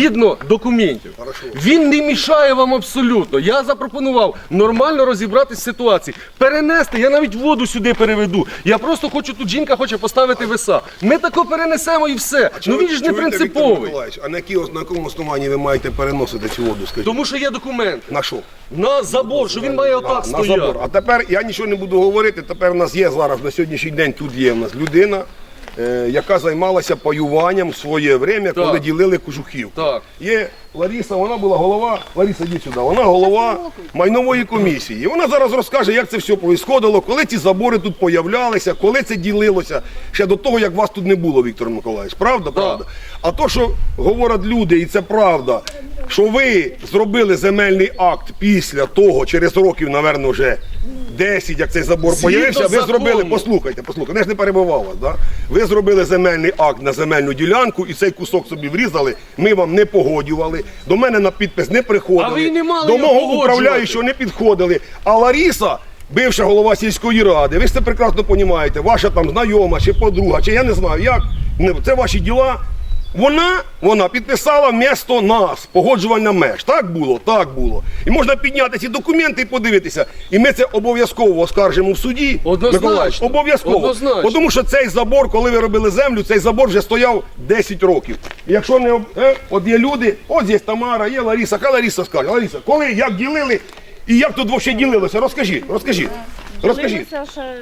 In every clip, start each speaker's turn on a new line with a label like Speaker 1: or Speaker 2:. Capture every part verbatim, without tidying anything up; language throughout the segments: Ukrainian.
Speaker 1: згідно документів.
Speaker 2: Хорошо.
Speaker 1: Він не мішає вам абсолютно. Я запропонував нормально розібратися з ситуацією. Перенести, я навіть воду сюди переведу. Я просто хочу, тут жінка хоче поставити веса. Ми тако перенесемо і все. Ну він ж не принциповий.
Speaker 2: А на, які, на якому основанні ви маєте переносити цю воду, скажіть?
Speaker 1: Тому що є документи.
Speaker 2: На що?
Speaker 1: На забор, що він має отак
Speaker 2: На
Speaker 1: стояти.
Speaker 2: забор. А тепер я нічого не буду говорити, тепер у нас є зараз, на сьогоднішній день тут є у нас людина, е, яка займалася паюванням в своє время, коли ділили кожухів.
Speaker 1: Так.
Speaker 2: Є Лариса, вона була голова, Лариса, йди сюди, вона голова майнової комісії. І вона зараз розкаже, як це все происходило, коли ці забори тут появлялися, коли це ділилося, ще до того, як вас тут не було, Віктор Миколаївич. Правда? Правда? А то, що говорять люди, і це правда, що ви зробили земельний акт після того, через років, напевно, вже десять, як цей забор
Speaker 1: Згідно
Speaker 2: появився, ви
Speaker 1: закону.
Speaker 2: зробили, послухайте, послухайте, я ж не перебивав вас, да? Ви зробили земельний акт на земельну ділянку і цей кусок собі врізали, ми вам не погоджували, до мене на підпис не приходили,
Speaker 1: А ви й не мали
Speaker 2: до
Speaker 1: його
Speaker 2: мого
Speaker 1: погоджувати.
Speaker 2: управляючого не підходили, а Лариса, бивша голова сільської ради, ви ж це прекрасно розумієте, ваша там знайома, чи подруга, чи я не знаю як, це ваші діла. Вона, вона підписала вмісто нас, погоджувальна меж. Так було? Так було. І можна підняти ці документи і подивитися. І ми це обов'язково оскаржимо в суді.
Speaker 1: Однозначно.
Speaker 2: Миколаївич, обов'язково.
Speaker 1: Однозначно.
Speaker 2: Тому що цей забор, коли ви робили землю, цей забор вже стояв десять років. І якщо не, об- е, от є люди, ось є Тамара, є Лариса. Хай Лариса скаже. Лариса, коли, як ділили і як тут взагалі ділилося? Розкажіть, розкажіть. Розкажіть.
Speaker 3: Дивилися ще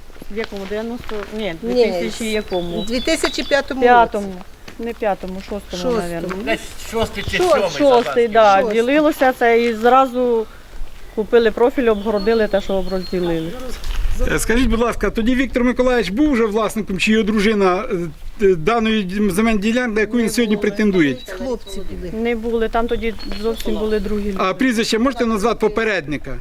Speaker 3: в якому? дев'яносто, ні,
Speaker 4: Ні,
Speaker 3: дві тисячі якому?
Speaker 4: У дві тисячі п'ятому році.
Speaker 3: П'ятому. Не п'ятому, шостому,
Speaker 4: Шостому.
Speaker 3: мабуть.
Speaker 5: Десь шостий чи
Speaker 3: Шо-
Speaker 5: сьомий.
Speaker 3: Шостий, так.
Speaker 4: Шостий.
Speaker 3: Ділилося це і зразу купили профіль, обгородили те, що розділили.
Speaker 6: Е, Скажіть, будь ласка, тоді Віктор Миколаївич був вже власником, чи його дружина е, е, даної земельної ділянки, на яку він сьогодні претендує?
Speaker 4: Хлопці були.
Speaker 3: Не були, там тоді зовсім були другі люди.
Speaker 6: А прізвище можете назвати попередника?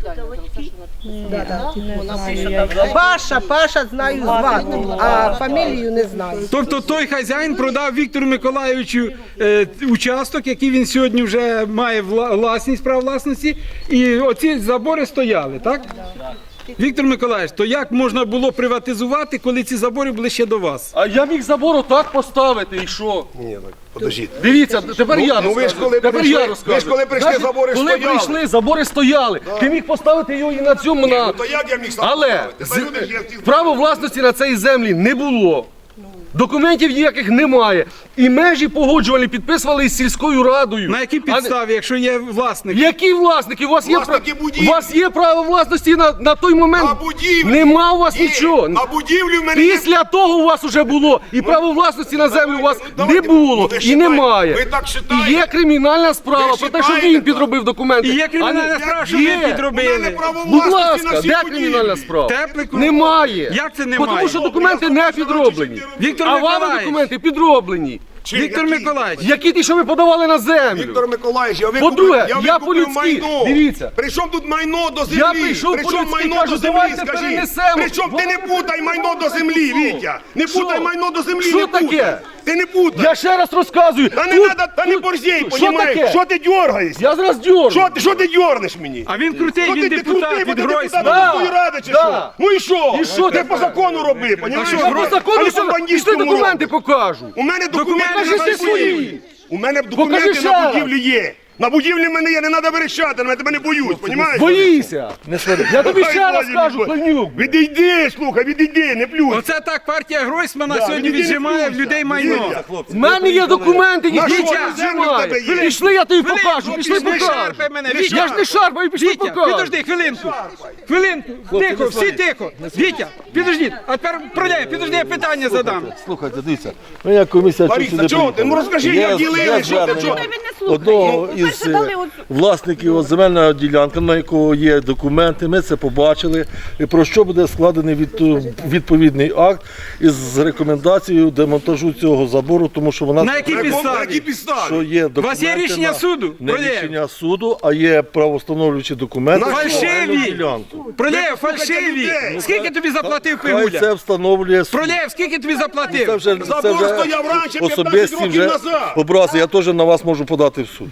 Speaker 3: Не знаю я.
Speaker 4: Паша, Паша знаю звати, а фамілію не знаю.
Speaker 6: Тобто той хазяїн продав Віктору Миколаївичу е, участок, який він сьогодні вже має вла- власність, право власності, і оці забори стояли, так? Віктор Миколаївич, то як можна було приватизувати, коли ці забори були ще до вас?
Speaker 1: А я міг забор отак поставити і що?
Speaker 2: Ні, так, подождіть.
Speaker 1: Дивіться, тепер
Speaker 2: Ну,
Speaker 1: я
Speaker 2: ну, ви ж
Speaker 1: розказую.
Speaker 2: коли
Speaker 1: Тепер
Speaker 2: прийшли-
Speaker 1: я
Speaker 2: ви
Speaker 1: розказую.
Speaker 2: ж коли прийшли,
Speaker 1: Значить,
Speaker 2: забори
Speaker 1: коли
Speaker 2: стояли.
Speaker 1: прийшли, забори стояли. Ти міг поставити його і на цьому, на...
Speaker 2: Ну, то як я міг сам
Speaker 1: Але
Speaker 2: поставити? Та
Speaker 1: з-
Speaker 2: люди ж є ті-
Speaker 1: право власності на цій землі не було. Документів ніяких немає. І межі погоджували, підписували із сільською радою.
Speaker 6: На якій
Speaker 1: А не-
Speaker 6: підставі, якщо є власник?
Speaker 1: Які власники? У вас є,
Speaker 2: Власники
Speaker 1: пра-
Speaker 2: будівлі.
Speaker 1: у вас є право власності на, на той момент?
Speaker 2: А будівлі?
Speaker 1: Нема у вас
Speaker 2: Є.
Speaker 1: нічого.
Speaker 2: А будівлі в мене є.
Speaker 1: Після того у вас вже було. І право власності на землю у вас
Speaker 2: давайте,
Speaker 1: не було
Speaker 2: ви
Speaker 1: і
Speaker 2: считаєте,
Speaker 1: немає.
Speaker 2: ви так
Speaker 1: І
Speaker 2: считаєте?
Speaker 1: є кримінальна справа
Speaker 2: Ви
Speaker 1: про те, що
Speaker 2: считаєте
Speaker 1: він
Speaker 2: так?
Speaker 1: підробив документи.
Speaker 6: І є
Speaker 1: А
Speaker 6: кримінальна
Speaker 1: не-
Speaker 6: справа, що
Speaker 1: Є.
Speaker 6: ви підробили.
Speaker 2: У мене право
Speaker 1: Будь
Speaker 2: власності на
Speaker 1: ласка,
Speaker 2: всі
Speaker 1: де
Speaker 2: будівлі.
Speaker 1: кримінальна справа?
Speaker 6: Теплику?
Speaker 1: Немає.
Speaker 6: Як це
Speaker 1: Бо
Speaker 6: немає?
Speaker 1: Тому що документи не підроблені.
Speaker 6: Віктор
Speaker 1: А вам
Speaker 6: Миколаївич.
Speaker 1: документи підроблені.
Speaker 2: Чи
Speaker 6: Віктор
Speaker 2: які?
Speaker 6: Миколаївич,
Speaker 1: Які ті, що ви подавали на землю?
Speaker 2: Віктор Миколаївич, я викупив,
Speaker 1: По-друге,
Speaker 2: я
Speaker 1: я
Speaker 2: викупив
Speaker 1: по-людськи,
Speaker 2: майно.
Speaker 1: дивіться.
Speaker 2: Причому тут майно до землі?
Speaker 1: Я прийшов
Speaker 2: Причому
Speaker 1: по-людськи,
Speaker 2: майно
Speaker 1: кажу,
Speaker 2: до землі,
Speaker 1: давайте
Speaker 2: скажіть?
Speaker 1: перенесемо.
Speaker 2: Причому ти не путай майно до землі, Вітя. Не
Speaker 1: Що?
Speaker 2: путай майно до землі,
Speaker 1: Що
Speaker 2: не путай.
Speaker 1: таке?
Speaker 2: Ти не путай.
Speaker 1: Я ще раз розказую.
Speaker 2: Та не
Speaker 1: Тут-
Speaker 2: надо, та не
Speaker 1: тут-
Speaker 2: борзей,
Speaker 1: Що
Speaker 2: понімаєш?
Speaker 1: таке?
Speaker 2: Що ти дергаєшся?
Speaker 1: Я зараз дьорну.
Speaker 2: Що ти, що ти дернеш мені?
Speaker 6: а він крутий,
Speaker 2: Що
Speaker 6: він
Speaker 2: ти, ти
Speaker 6: депутат
Speaker 2: крутий, бо
Speaker 6: від
Speaker 2: ти депутат
Speaker 6: Гройсмана.
Speaker 2: міської ради чи
Speaker 1: Да.
Speaker 2: що? Ну і що?
Speaker 1: І що
Speaker 2: Ти
Speaker 1: тепер?
Speaker 2: по закону роби, понімаєш?
Speaker 1: Що, про закону все? Пішли документи покажу.
Speaker 2: У мене документи
Speaker 1: покажи
Speaker 2: на
Speaker 1: ще свої.
Speaker 2: будівлі. У мене
Speaker 1: Покажи
Speaker 2: документи
Speaker 1: ще
Speaker 2: на
Speaker 1: раз.
Speaker 2: будівлі є. На будівлі в мене є, не треба верещати, на тебе не боюсь, понімаєш?
Speaker 1: Боїся. Я тобі
Speaker 2: Ой,
Speaker 1: ще раз
Speaker 2: Боже,
Speaker 1: кажу,
Speaker 2: Боже.
Speaker 1: Пленюк.
Speaker 2: Відійди, слухай, відійди, не плюй.
Speaker 6: Оце так партія Гройсмана
Speaker 2: Да,
Speaker 6: сьогодні
Speaker 2: відійди,
Speaker 6: віджимає в
Speaker 2: не
Speaker 6: людей
Speaker 2: плюйся.
Speaker 6: майно.
Speaker 2: Вітя,
Speaker 1: В мене є документи,
Speaker 2: На
Speaker 1: ніхто
Speaker 2: що?
Speaker 1: не
Speaker 2: На землю в тебе
Speaker 1: знімає.
Speaker 2: є?
Speaker 1: Пішли, я тобі
Speaker 6: Хвилинку,
Speaker 1: покажу, пішли
Speaker 6: не
Speaker 1: покажу.
Speaker 6: шарпай мене,
Speaker 2: Не
Speaker 6: Вітя.
Speaker 1: Я ж не шарпаю, пішли
Speaker 6: Вітя,
Speaker 1: покажу.
Speaker 6: підожди, хвилинку. Хвилинку, тихо, всі тихо. Вітя, підожди, а тепер проляй, підожди, я питання задам.
Speaker 7: Слухайте, дивіться, ми як комісія
Speaker 2: Лариса,
Speaker 7: сюди
Speaker 2: чого ти?
Speaker 7: приїхали.
Speaker 2: Ну розкажи,
Speaker 7: Є-
Speaker 2: як
Speaker 7: є
Speaker 2: ділили, що ти,
Speaker 7: звернення
Speaker 2: чого?
Speaker 7: одного із е, власників от земельної ділянки, на якого є документи, ми це побачили, і про що буде складений від- відповідний акт із рекомендацією демонтажу цього забору, тому що вона
Speaker 6: На якій
Speaker 2: На якому- на
Speaker 6: підставі?
Speaker 2: якій підставі?
Speaker 7: що є
Speaker 6: У вас є
Speaker 7: документи
Speaker 6: рішення
Speaker 7: на-
Speaker 6: суду?
Speaker 7: Не
Speaker 6: Пролєв.
Speaker 7: рішення суду, а є правовстановлюючі документи.
Speaker 2: На
Speaker 7: на
Speaker 2: що?
Speaker 7: земельну
Speaker 6: Фальшиві!
Speaker 7: ділянку.
Speaker 6: Пролєв,
Speaker 2: послухайте
Speaker 6: фальшиві!
Speaker 2: людей.
Speaker 6: Скільки тобі заплатив
Speaker 7: Хай це
Speaker 6: Пигуля?
Speaker 7: встановлює суд.
Speaker 6: Пролєв, скільки тобі
Speaker 7: Це
Speaker 6: заплатив?
Speaker 7: вже, це
Speaker 2: Забор
Speaker 7: вже
Speaker 2: стояв раніше, п'ятнадцять
Speaker 7: особисті
Speaker 2: років
Speaker 7: вже
Speaker 2: назад.
Speaker 7: образи. Я теж на вас можу подати в суд.
Speaker 6: Питань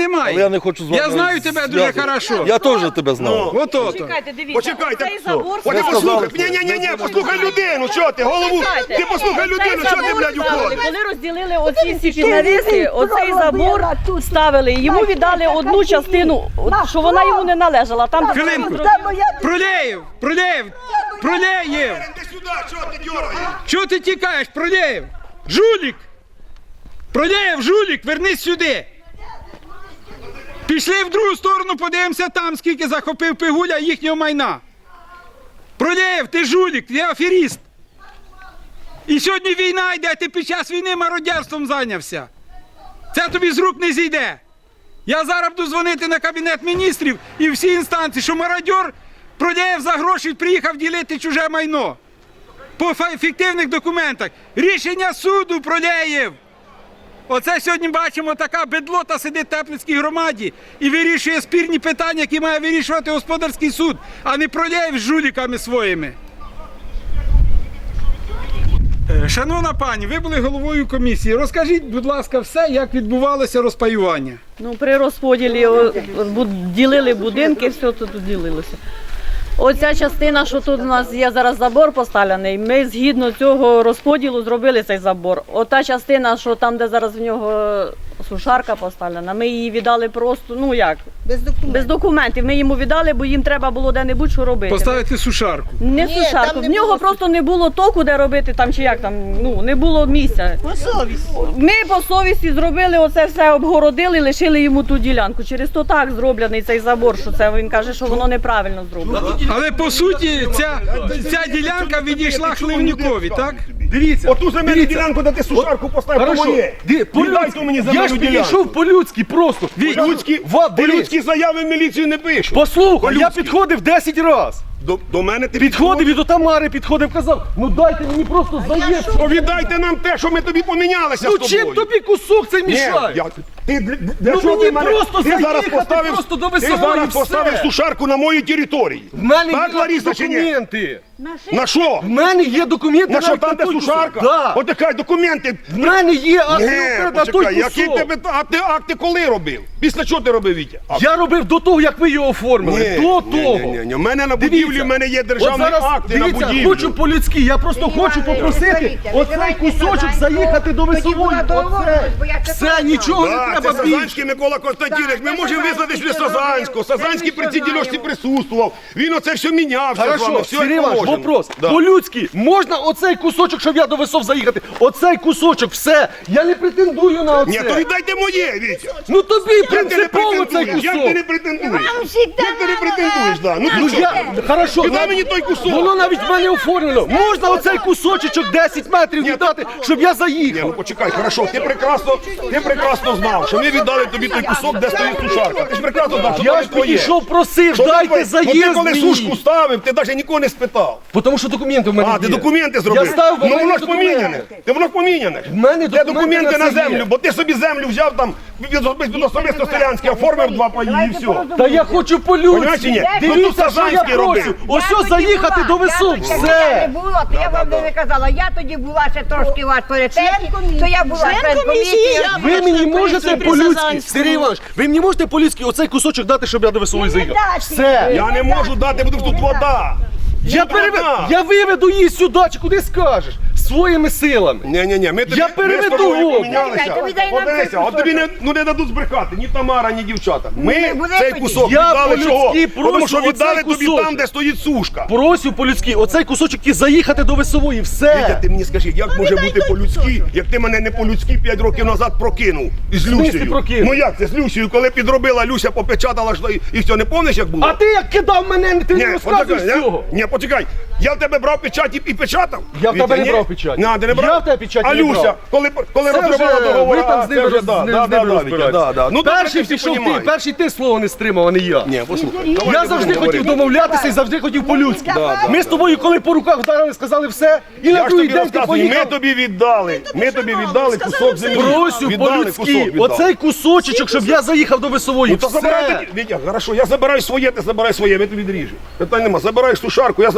Speaker 6: немає.
Speaker 7: Але я не хочу з вами
Speaker 6: Я знаю тебе дуже
Speaker 7: зв'язувати.
Speaker 6: хорошо.
Speaker 7: Я теж тебе знав.
Speaker 2: Ну.
Speaker 6: Ото.
Speaker 3: Почекайте, дивіться,
Speaker 2: Почекайте,
Speaker 3: цей забор...
Speaker 2: От ти
Speaker 7: Ви
Speaker 2: послухай,
Speaker 7: сказали,
Speaker 2: ні, ні, ні, ні, послухай людину, що ти, голову,
Speaker 3: Почекайте.
Speaker 2: ти послухай людину,
Speaker 3: Цей
Speaker 2: що ти,
Speaker 3: забор
Speaker 2: блядь,
Speaker 3: ставили,
Speaker 2: уходиш?
Speaker 3: коли розділили оці всі піднавіси, оцей забор ставили, йому віддали одну частину, от, що вона йому не належала. Там, де
Speaker 6: Хвилинку.
Speaker 3: зробили-
Speaker 6: Пролєєв, Пролєєв, Пролєєв.
Speaker 2: Іди сюди, чого ти дергаєш?
Speaker 6: Чого ти тікаєш, Пролєєв? Жулік! Пролєєв, жулік, вернись сюди. Пішли в другу сторону, подивимося там, скільки захопив Пигуля їхнього майна. Пролєєв, ти жулік, ти аферіст. І сьогодні війна йде, ти під час війни мародерством зайнявся. Це тобі з рук не зійде. Я зараз буду дзвонити на Кабінет міністрів і всі інстанції, що мародьор Пролєєв за гроші приїхав ділити чуже майно. По фа- фіктивних документах. Рішення суду, Пролєєв. Оце сьогодні бачимо, така бедлота сидить в Теплицькій громаді і вирішує спірні питання, які має вирішувати господарський суд, а не Пролєєв з жуліками своїми. Е, Шановна пані, ви були головою комісії. Розкажіть, будь ласка, все, як відбувалося розпаювання.
Speaker 3: Ну, при розподілі о, бу- ділили будинки, все тут ділилося. Оця частина, що тут у нас є зараз забор поставлений, ми згідно цього розподілу зробили цей забор. Ота частина, що там, де зараз в нього сушарка поставлена, ми її віддали просто, ну як,
Speaker 4: Без документів.
Speaker 3: без документів. Ми йому віддали, бо їм треба було де-небудь що робити.
Speaker 6: Поставити сушарку.
Speaker 3: Не
Speaker 4: Ні,
Speaker 3: сушарку,
Speaker 4: там не
Speaker 3: в нього
Speaker 4: було
Speaker 3: просто не було току, де робити там чи як там, ну не було місця.
Speaker 4: По совісті.
Speaker 3: Ми по совісті зробили оце все, обгородили, лишили йому ту ділянку. Через то так зроблений цей забор, що це він каже, що воно неправильно зроблено.
Speaker 6: Але по суті ця, ця ділянка відійшла Хливнюкові, так?
Speaker 1: Дивіться,
Speaker 2: Оту земельну
Speaker 1: дивіться.
Speaker 2: ділянку, де ти сушарку поставив, то
Speaker 1: Хорошо,
Speaker 2: моє.
Speaker 1: Ди-
Speaker 2: Віддай
Speaker 1: по-людськи.
Speaker 2: ту мені
Speaker 1: Я ж
Speaker 2: земельну ділянку.
Speaker 1: підійшов по-людськи просто.
Speaker 2: По-людськи,
Speaker 1: Ва- дивись.
Speaker 2: по-людськи заяви в міліцію не пишу.
Speaker 1: Послухай, я
Speaker 2: По-людськи.
Speaker 1: підходив десять разів.
Speaker 2: До, до мене ти
Speaker 1: Підходив і до Тамари підходив, казав, ну дайте мені просто заєць.
Speaker 2: Повідайте нам те, що ми тобі помінялися
Speaker 1: Ну
Speaker 2: з тобою.
Speaker 1: чим тобі кусок цей
Speaker 2: Ні,
Speaker 1: мішає?
Speaker 2: я, ти, для, для
Speaker 1: Ну
Speaker 2: чого
Speaker 1: мені
Speaker 2: ти мене,
Speaker 1: просто
Speaker 2: ти зараз
Speaker 1: заїхати
Speaker 2: поставив,
Speaker 1: просто до
Speaker 2: ти
Speaker 1: Весової,
Speaker 2: зараз
Speaker 1: все.
Speaker 2: поставив сушарку на моїй території.
Speaker 1: В мене
Speaker 2: Так,
Speaker 1: є
Speaker 2: Лариса, чи ні?
Speaker 1: документи.
Speaker 2: На що?
Speaker 1: В мене є документи.
Speaker 2: На що
Speaker 1: навіть
Speaker 2: там де
Speaker 1: той
Speaker 2: сушарка?
Speaker 1: кусок. Да.
Speaker 2: От така документи.
Speaker 1: В мене є акти
Speaker 2: Ні,
Speaker 1: на той
Speaker 2: почекай, які
Speaker 1: кусок.
Speaker 2: тебе, а ти акти коли робив? Після чого ти робив, Вітя? А,
Speaker 1: Я робив до того, як ви його оформили. До того.
Speaker 2: Ні, ні, ні. У мене на будівлі, в мене є державні
Speaker 1: От зараз,
Speaker 2: акти на
Speaker 1: дивіться,
Speaker 2: будівлю.
Speaker 1: хочу по-людськи, я просто хочу попросити оцей кусочок заїхати до Весової. Оце. Все, нічого не
Speaker 2: Да, це
Speaker 1: треба більше.
Speaker 2: Сазанський Микола Константинович. Ми можемо визнати, що Сазанського. Сазанський при цій дільості присутствував. Він оце все мінявся з вами.
Speaker 1: Хорошо,
Speaker 2: Все
Speaker 1: Сергій
Speaker 2: як
Speaker 1: Іванович,
Speaker 2: положено.
Speaker 1: вопрос.
Speaker 2: Да.
Speaker 1: По-людськи, можна оцей кусочок, щоб я до Весов заїхати? Оцей кусочок, все. Я не претендую на оце.
Speaker 2: Ні, то віддайте моє, Вітя.
Speaker 1: Ну тобі
Speaker 2: Як ти не
Speaker 1: принципово цей
Speaker 2: претендуєш? Як ти
Speaker 1: кусок.
Speaker 2: не претендуєш? Як ти не претендуєш, да? Ну
Speaker 1: Ну
Speaker 2: ти
Speaker 1: я,
Speaker 2: що?
Speaker 1: хорошо,
Speaker 2: Віддай
Speaker 1: на-
Speaker 2: мені той кусок.
Speaker 1: Воно навіть в мене оформлено. Можна оцей кусочок десять метрів віддати, щоб я
Speaker 2: Ні, ну
Speaker 1: заїхав.
Speaker 2: почекай, хорошо, ти прекрасно, ти прекрасно знав, що ми віддали тобі той кусок, де стоїть сушарка. Ти ж прекрасно знав, що
Speaker 1: Я
Speaker 2: там
Speaker 1: ж
Speaker 2: твоє.
Speaker 1: підійшов, просив,
Speaker 2: Що
Speaker 1: дайте
Speaker 2: ти, ну, ти
Speaker 1: заїзд
Speaker 2: коли сушку
Speaker 1: мені.
Speaker 2: ставив, ти навіть нікого не спитав.
Speaker 1: Бо Тому що документи в мене
Speaker 2: А,
Speaker 1: є.
Speaker 2: ти документи зробив?
Speaker 1: Я ставив, бо в
Speaker 2: ну
Speaker 1: мене
Speaker 2: воно ж
Speaker 1: документи.
Speaker 2: поміняне. Ти воно ж поміняне.
Speaker 1: В мене
Speaker 2: Де
Speaker 1: документи
Speaker 2: документи
Speaker 1: на
Speaker 2: на
Speaker 1: це є.
Speaker 2: землю, бо ти собі землю взяв там від особисто від особисто селянське, оформив два паї і все.
Speaker 1: Та я хочу
Speaker 2: Понімаєш чи ні?
Speaker 1: по-людськи.
Speaker 2: Ну, тут
Speaker 1: Дивіться, що я
Speaker 2: Сазанський
Speaker 1: прошу.
Speaker 2: робив.
Speaker 1: Ось ось заїхати до Весов.
Speaker 5: Я
Speaker 1: Все.
Speaker 5: не була, то я вам не казала. Я тоді була ще трошки вас перед тим, то я була член комісії.
Speaker 1: Ви мені можете по-людськи, Сергій Іванович, ви мені можете по-людськи оцей кусочок дати, щоб я до Весової заїхав? Все.
Speaker 2: Я не можу дати, бо тут вода.
Speaker 1: Я, переве... я виведу її сюди, чи куди скажеш, своїми силами.
Speaker 2: Ні-ні-ні, ми тобі
Speaker 1: Я
Speaker 2: ми з
Speaker 1: переведу
Speaker 2: тобою
Speaker 1: воду.
Speaker 2: помінялися.
Speaker 5: Чекайте, ви дай нам
Speaker 2: Подивися,
Speaker 5: цей
Speaker 2: от тобі не, ну, не дадуть збрехати, ні Тамара, ні дівчата. Ми
Speaker 5: не буде
Speaker 2: цей
Speaker 5: тоді.
Speaker 2: кусок
Speaker 1: Я
Speaker 2: віддали
Speaker 1: по-людськи
Speaker 2: чого?
Speaker 1: прошу
Speaker 2: Тому що віддали
Speaker 1: оцей
Speaker 2: тобі
Speaker 1: кусочок.
Speaker 2: там, де стоїть сушка.
Speaker 1: Просю по-людськи, оцей кусочок і заїхати до Весової,
Speaker 2: Вітя,
Speaker 1: все.
Speaker 2: ти мені скажи, як може бути по-людськи, як ти мене не по-людськи п'ять років назад прокинув із
Speaker 1: смислі
Speaker 2: Люсією?
Speaker 1: прокинув?
Speaker 2: Ну як це з Люсією, коли підробила, Люся попечатала що і- і все, не помниш, як було?
Speaker 1: А ти як кидав мене, ти не розказуєш
Speaker 2: почекай, я-
Speaker 1: цього.
Speaker 2: Ні, почекай. Я в тебе брав печать і, і печатав?
Speaker 1: Я в тебе
Speaker 2: Вітя,
Speaker 1: не
Speaker 2: ні?
Speaker 1: брав печать.
Speaker 2: На, ти не брав?
Speaker 1: Я в тебе печать
Speaker 2: а
Speaker 1: не
Speaker 2: Люся,
Speaker 1: брав.
Speaker 2: коли, коли
Speaker 1: Це
Speaker 2: розривала
Speaker 1: вже
Speaker 2: договор,
Speaker 1: ви там з
Speaker 2: а, це
Speaker 1: ними
Speaker 2: вже,
Speaker 1: роз-
Speaker 2: да,
Speaker 1: з ним-
Speaker 2: да,
Speaker 1: з ними
Speaker 2: да, Вітя,
Speaker 1: розбираєтесь.
Speaker 2: да, да. Ну, добре,
Speaker 1: Перший
Speaker 2: ти все
Speaker 1: пішов ти,
Speaker 2: понімаєш.
Speaker 1: перший ти слово не стримав, а не я.
Speaker 2: Ні, послухай.
Speaker 1: Я
Speaker 2: давай не
Speaker 1: завжди
Speaker 2: будемо
Speaker 1: хотів
Speaker 2: говорити.
Speaker 1: домовлятися і завжди хотів по-людськи. Ми з тобою, коли по руках вдарили, сказали все, і на
Speaker 2: Я ж
Speaker 1: другий
Speaker 2: тобі
Speaker 1: день ти
Speaker 2: розказую, ми
Speaker 1: поїхав.
Speaker 2: тобі віддали, ми тобі віддали кусок землі.
Speaker 1: Просю
Speaker 2: Віддали кусок,
Speaker 1: по-людськи,
Speaker 2: віддали.
Speaker 1: оцей кусочок, щоб я заїхав до Весової.
Speaker 2: Ну то забирай
Speaker 1: Все.
Speaker 2: тоді, Вітя, хорошо, я забираю своє, ти забирай своє, ми тобі відріжемо. Питань нема, забирай сушарку, я забираю свою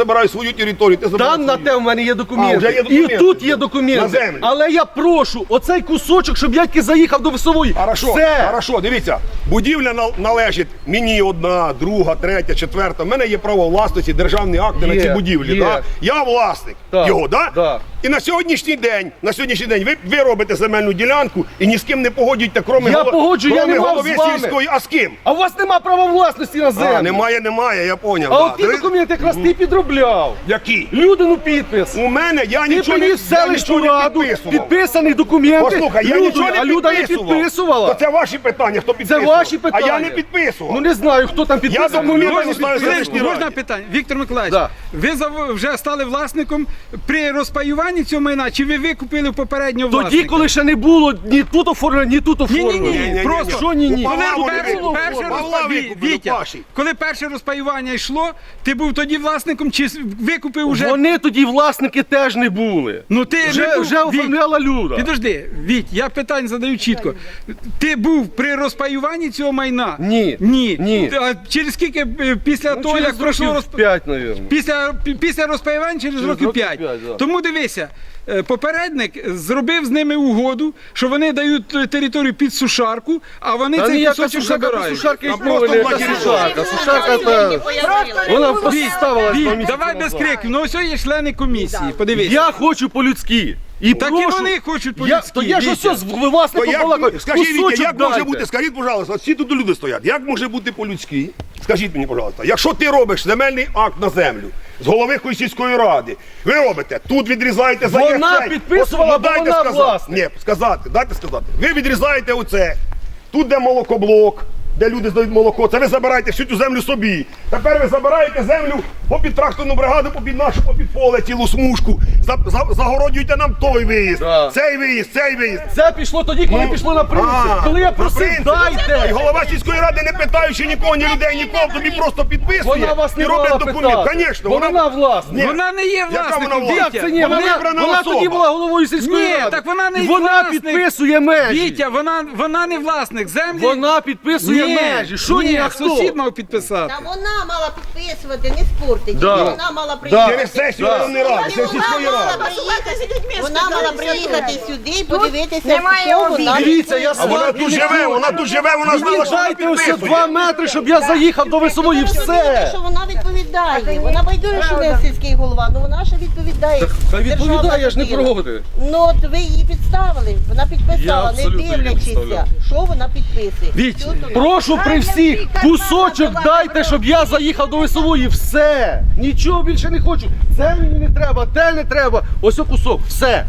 Speaker 2: свою територію, ти забрав
Speaker 1: Там на
Speaker 2: свою.
Speaker 1: те в мене є
Speaker 2: А,
Speaker 1: документи.
Speaker 2: вже є
Speaker 1: І
Speaker 2: документи.
Speaker 1: тут є
Speaker 2: На
Speaker 1: документи.
Speaker 2: землю.
Speaker 1: Але я прошу, оцей кусочок, щоб я тільки заїхав до весової.
Speaker 2: Хорошо,
Speaker 1: Все.
Speaker 2: хорошо, дивіться, будівля нал- належить мені одна, друга, третя, четверта. У мене є право власності, державні акти
Speaker 1: Є,
Speaker 2: на ці будівлі.
Speaker 1: є.
Speaker 2: Да? Я власник
Speaker 1: Так,
Speaker 2: його, да?
Speaker 1: так.
Speaker 2: І на сьогоднішній день, на сьогоднішній день ви, ви робите земельну ділянку і ні з ким не погодюєте, крім
Speaker 1: Я погоджую, я не мав
Speaker 2: голови
Speaker 1: з вами.
Speaker 2: сільської. А з ким?
Speaker 1: А у вас нема права власності на землю.
Speaker 2: А, немає, немає, я поняв.
Speaker 1: А
Speaker 2: да.
Speaker 1: от ті
Speaker 2: Ви-
Speaker 1: документи якраз ти підробляв.
Speaker 2: Які?
Speaker 1: Людину підпис.
Speaker 2: У мене я
Speaker 1: Ти
Speaker 2: нічого не,
Speaker 1: приніс в
Speaker 2: я
Speaker 1: селищну
Speaker 2: нічого не
Speaker 1: раду,
Speaker 2: підписував.
Speaker 1: підписаний документи.
Speaker 2: Послухай, я
Speaker 1: Люду,
Speaker 2: нічого не
Speaker 1: а Люда не
Speaker 2: підписував.
Speaker 1: підписувала.
Speaker 2: То це ваші питання, хто
Speaker 1: Це
Speaker 2: підписував.
Speaker 1: ваші питання.
Speaker 2: А я не підписував.
Speaker 1: Ну не знаю, хто там підписував.
Speaker 2: документи
Speaker 1: Люда не
Speaker 2: не знаю,
Speaker 1: підписувала.
Speaker 2: селищній
Speaker 6: Можна
Speaker 2: раді.
Speaker 6: питання? Віктор Миколаївич,
Speaker 1: Да.
Speaker 6: ви зав- вже стали власником при розпаюванні цього майна, чи ви викупили попереднього
Speaker 1: Тоді,
Speaker 6: власника?
Speaker 1: коли ще не було ні тут оформлено, ні тут оформлено.
Speaker 6: Ні-ні-ні,
Speaker 2: Ні-ні-ні.
Speaker 6: просто
Speaker 1: Що ні-ні?
Speaker 2: У
Speaker 6: Коли
Speaker 2: Павла вони
Speaker 6: перше,
Speaker 2: викупили.
Speaker 6: перше
Speaker 2: Павла
Speaker 6: розпа-
Speaker 2: викупили,
Speaker 6: Вітя,
Speaker 2: Паші.
Speaker 6: коли перше розпаювання йшло, ти був тоді власником чи с- викупив уже?
Speaker 1: Вони тоді власники теж не були.
Speaker 6: Ну ти
Speaker 1: Вже,
Speaker 6: не був,
Speaker 1: вже
Speaker 6: Віть,
Speaker 1: оформляла Люда.
Speaker 6: Підожди, Віть, я питання задаю чітко. Ти був при розпаюванні цього майна?
Speaker 1: Ні.
Speaker 6: Ні.
Speaker 1: Ні.
Speaker 6: А через скільки е, після
Speaker 1: Ну,
Speaker 6: того,
Speaker 1: через
Speaker 6: як пройшло
Speaker 1: років
Speaker 6: розп...
Speaker 1: п'ять, мабуть.
Speaker 6: Після, пі- після розпаювання через,
Speaker 1: Через
Speaker 6: років
Speaker 1: років
Speaker 6: п'ять.
Speaker 1: п'ять, да.
Speaker 6: Тому дивися, е, попередник зробив з ними угоду, що вони дають е, територію під сушарку, а вони
Speaker 1: Та
Speaker 6: цей
Speaker 1: ніяка
Speaker 6: кусочок
Speaker 1: сушарка,
Speaker 6: забирають.
Speaker 1: сушарка і
Speaker 2: просто
Speaker 1: мови, яка
Speaker 2: блокіровка.
Speaker 1: сушарка. Сушарка та... Вона поставила
Speaker 6: Віть, давай без криків, ну ось є члени комісії, подивись.
Speaker 1: Я хочу по-людськи. І
Speaker 6: Так і
Speaker 1: прошу...
Speaker 6: вони хочуть
Speaker 1: Я,
Speaker 6: по-людськи,
Speaker 1: то я ж
Speaker 6: Вітя.
Speaker 1: ось з
Speaker 2: То
Speaker 1: власником
Speaker 2: як,
Speaker 1: балакаю.
Speaker 2: скажіть, Вітя,
Speaker 1: Кусочок
Speaker 2: як може
Speaker 1: дайте.
Speaker 2: бути, скажіть, пожалуйста, от всі тут люди стоять, як може бути по-людськи? Скажіть мені, пожалуйста, якщо ти робиш земельний акт на землю з голови якоїсь сільської ради, ви робите, тут відрізаєте за
Speaker 1: Вона
Speaker 2: цей.
Speaker 1: підписувала,
Speaker 2: От, ну, дайте
Speaker 1: бо вона
Speaker 2: сказати.
Speaker 1: власник.
Speaker 2: Ні, сказати, дайте сказати. Ви відрізаєте оце, тут де молокоблок, де люди здають молоко, це ви забираєте всю цю землю собі. Тепер ви забираєте землю попід тракторну бригаду, попід нашу, попід поле, цілу смужку, за, за, загороджуєте нам той виїзд,
Speaker 1: Да.
Speaker 2: цей виїзд, цей виїзд.
Speaker 1: Це пішло тоді, коли
Speaker 2: Ну,
Speaker 1: пішло на принцип.
Speaker 2: а,
Speaker 1: Коли я
Speaker 2: на
Speaker 1: просив,
Speaker 2: принцип. І
Speaker 1: дайте.
Speaker 2: голова сільської ради, не питаючи нікого, ні людей, нікого, тобі просто підписує
Speaker 1: Вона вас
Speaker 2: і
Speaker 1: не
Speaker 2: робить
Speaker 1: мала
Speaker 2: документ.
Speaker 1: питати.
Speaker 2: Звісно,
Speaker 1: Бо вона власник.
Speaker 2: Ні.
Speaker 6: Вона не є
Speaker 2: Яка вона
Speaker 6: власником,
Speaker 2: власник?
Speaker 6: Вітя.
Speaker 1: Це ні,
Speaker 2: Вона
Speaker 1: вона,
Speaker 2: вибрана
Speaker 1: вона
Speaker 2: особа.
Speaker 1: тоді була головою сільської
Speaker 6: Ні,
Speaker 1: ради.
Speaker 6: так вона не
Speaker 1: І вона
Speaker 6: власник.
Speaker 1: підписує межі.
Speaker 6: Вітя, вона, вона не власник землі.
Speaker 1: Вона підписує
Speaker 6: Ні,
Speaker 1: межі. Що ні, а хто?
Speaker 6: сусід мав підписати.
Speaker 8: Та вона мала підписувати, не спортить.
Speaker 1: Да.
Speaker 8: Вона мала приїхати.
Speaker 2: Через сесію районної ради, через сільської
Speaker 8: Вона мала
Speaker 2: ради.
Speaker 8: приїхати, вона мала приїхати сюди і подивитися,
Speaker 5: немає
Speaker 8: що
Speaker 5: обіду.
Speaker 8: вона
Speaker 1: Дивіться, я
Speaker 2: А вона
Speaker 1: сварки
Speaker 2: тут
Speaker 1: не
Speaker 2: живе,
Speaker 1: хочу.
Speaker 2: вона тут живе, вона
Speaker 1: Мені
Speaker 2: знала, що вона
Speaker 1: дайте ось
Speaker 2: підписує.
Speaker 1: два метри, щоб я заїхав до весової.
Speaker 8: Ви розумієте,
Speaker 1: Все.
Speaker 8: що вона відповідає. Вона байдуже, що не сільський голова, але вона ще відповідає.
Speaker 1: Та відповідає, я ж не
Speaker 8: Державна
Speaker 1: проти.
Speaker 8: людина. Ну от ви її підставили, вона
Speaker 1: Я
Speaker 8: підписала, не
Speaker 1: абсолютно її
Speaker 8: дивлячися,
Speaker 1: підставляв.
Speaker 8: що вона підписує.
Speaker 6: Віть,
Speaker 8: Що тут?
Speaker 1: Прошу при всіх, кусочок дайте, щоб я заїхав до весової. Все. Нічого більше не хочу. Це мені не треба, те не треба. Ось о кусок. Все.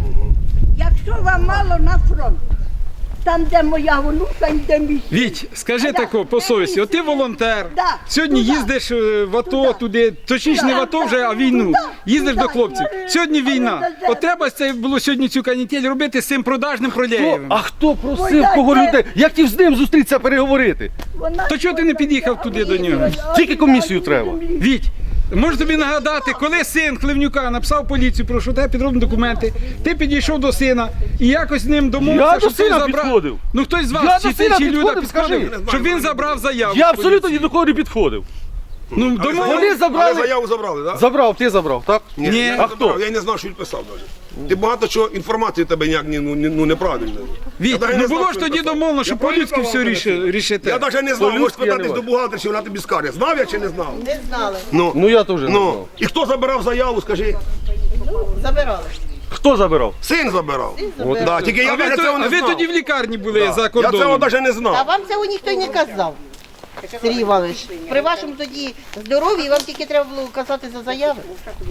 Speaker 4: Якщо вам мало на фронт, там, де моя онука і де мій.
Speaker 6: Віть, скажи тако по совісті, от ти волонтер,
Speaker 4: Да,
Speaker 6: сьогодні
Speaker 4: туди.
Speaker 6: їздиш е, в АТО туди, точніше не в АТо вже, а війну,
Speaker 4: Туди,
Speaker 6: їздиш
Speaker 4: туди.
Speaker 6: до хлопців. Сьогодні війна. От треба це було сьогодні цю канітель робити з цим продажним
Speaker 1: Хто,
Speaker 6: Проляєвим.
Speaker 1: а хто просив
Speaker 4: Ой,
Speaker 1: кого
Speaker 4: дайте.
Speaker 1: людей? Я хотів з ним зустрітися, переговорити.
Speaker 4: Вона
Speaker 6: То чого ти не під'їхав туди до нього?
Speaker 1: Тільки комісію треба.
Speaker 6: Віть, можу тобі нагадати, коли син Хливнюка написав поліцію, про що тебе підроблені документи, ти підійшов до сина і якось з ним домовився,
Speaker 1: Я до
Speaker 6: щоб той
Speaker 1: сина
Speaker 6: забрав.
Speaker 1: підходив.
Speaker 6: Ну хтось з
Speaker 1: Я
Speaker 6: вас,
Speaker 1: до
Speaker 6: чи
Speaker 1: сина
Speaker 6: ти, чи Люда
Speaker 1: підходив, скажи.
Speaker 6: підходив, щоб він забрав заяву.
Speaker 1: Я абсолютно ні до кого не підходив.
Speaker 6: Ну, домов...
Speaker 1: Вони
Speaker 2: Але
Speaker 1: забрали.
Speaker 2: заяву забрали, так?
Speaker 1: Забрав, ти забрав, так?
Speaker 2: Ні,
Speaker 6: Ні.
Speaker 2: я не
Speaker 1: А
Speaker 2: забрав,
Speaker 1: хто?
Speaker 2: Я й не знав, що він писав навіть. Ти багато чого інформації тебе ніяк не, ну, не- ну, неправильно.
Speaker 6: Віть,
Speaker 2: Я навіть
Speaker 6: ну
Speaker 2: не знав,
Speaker 6: було ж
Speaker 2: що він
Speaker 6: тоді
Speaker 2: писав.
Speaker 6: домовлено, що
Speaker 2: Я
Speaker 6: по-людськи
Speaker 2: політиком
Speaker 6: все
Speaker 2: вам
Speaker 6: ріши-
Speaker 2: поясню.
Speaker 6: рішите.
Speaker 2: Я навіть не знав, можеш
Speaker 1: По-людськи я не
Speaker 2: спитатись до
Speaker 1: бачу.
Speaker 2: бухгалтера, чи вона тобі скаже. Знав я чи не знав?
Speaker 8: Не знали,
Speaker 2: Ну,
Speaker 1: Ну я теж не
Speaker 2: ну.
Speaker 1: знав.
Speaker 2: І хто забирав заяву, скажи?
Speaker 8: забирали.
Speaker 1: Хто забирав?
Speaker 2: Син забирав.
Speaker 8: забирав.
Speaker 2: Да, тільки я
Speaker 6: А ви,
Speaker 2: навіть
Speaker 6: то-
Speaker 2: цього
Speaker 6: а
Speaker 2: не
Speaker 6: ви
Speaker 2: знав.
Speaker 6: тоді в лікарні були
Speaker 2: Да.
Speaker 6: за
Speaker 2: Я цього
Speaker 6: кордоном.
Speaker 2: навіть не
Speaker 8: А
Speaker 2: знав.
Speaker 8: вам цього ніхто й не казав. Сергій Іванович, при вашому тоді здоров'ї вам тільки треба було казати за заяви.